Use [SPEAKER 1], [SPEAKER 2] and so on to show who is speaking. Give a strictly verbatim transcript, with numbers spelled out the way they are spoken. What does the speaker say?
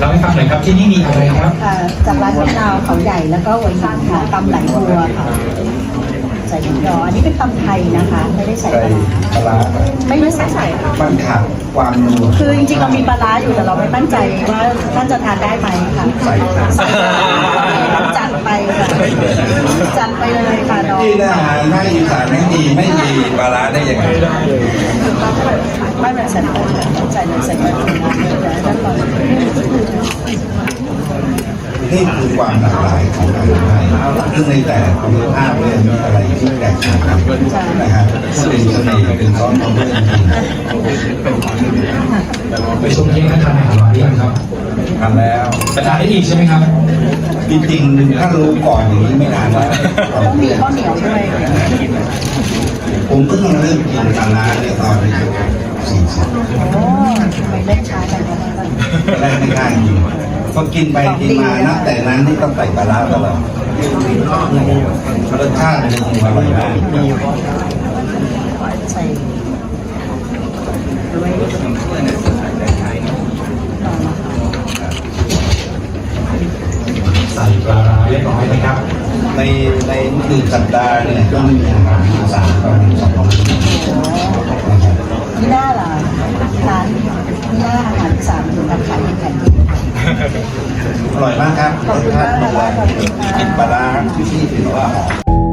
[SPEAKER 1] ล่าให้ฟังหน่อยครับที่นี่มีอะไรครับ
[SPEAKER 2] ค่ะจากร้านมะนาวเขาใหญ่แล้วก็หัวหินค่ะตำไหลบัวค่ะใส่หมูยออันนี้เป็นตำไทยนะคะไม่ได้ใส่ปลาร้า
[SPEAKER 3] ปลาร้า
[SPEAKER 2] ไม่ไม่ใส่ใส่ค่ะ
[SPEAKER 3] มันขาดความนัว
[SPEAKER 2] คือจริงๆเรามีปลาร้าอยู่แต่เราไม่มั่นใจว่าท่านจะทานได้ไหมค่ะ
[SPEAKER 3] ใส่ค่ะ
[SPEAKER 2] จัดไปค่ะจัดไปเลยค่ะน้อง
[SPEAKER 3] ที่อาหารภาคอีสานไม่มีไม่มีปลาร้าได้ยังไง
[SPEAKER 2] ไม่เป็นใส่เลยใส่เลยใส่เลยแล้วก็
[SPEAKER 3] นี่คือความหลากหลายของอาหารไทยซึ่งในแต่ละภูมิภาคเนี่ยมีอะไรที่แตกต่างกันนะครับเป็นเสน่ห์เป็นซ้อนของเรื่องจริง
[SPEAKER 1] ไปชมเที่ยงท่านทานอาหารหรือยังครับ
[SPEAKER 3] ทำแล้ว
[SPEAKER 1] ไปทานได้อีกใช่ไหมครับ
[SPEAKER 3] จริงๆถ้ารู้ก่อนอย่างนี้ไม่นานแล้ว
[SPEAKER 2] ต้องมีข้าวเหนียวด้วย
[SPEAKER 3] ผมเพิ่งเริ่มกินปลาร้าเนี่ยตอนอายุสี่สิบ
[SPEAKER 2] โอ้ไปเล่นช้าไปแล้วกัน
[SPEAKER 3] แรกไม่กล้ากินพอกินไปกินมานับแต่นั้นนี่ต้องใส่ปลาร้าตลอดรสชาติมันคงอร่อยมาก
[SPEAKER 2] ใส่ด้วย
[SPEAKER 1] ใส่ปลาร้าเรียบร้อยนะครับ
[SPEAKER 3] ในในหนึ่งสัปดาห์เนี่ยก็มีอาหารอีสานประมาณสองร้อยนะครับ
[SPEAKER 2] นี่หน้าล่ะร้านนี่หน้าอาหารอีสานถึงกับขายเป็นแผ่นดิน
[SPEAKER 3] อร่อยมากครับรสชาติดีเลยกลิ่นปลาร้าที่ที่ถือว่าหอม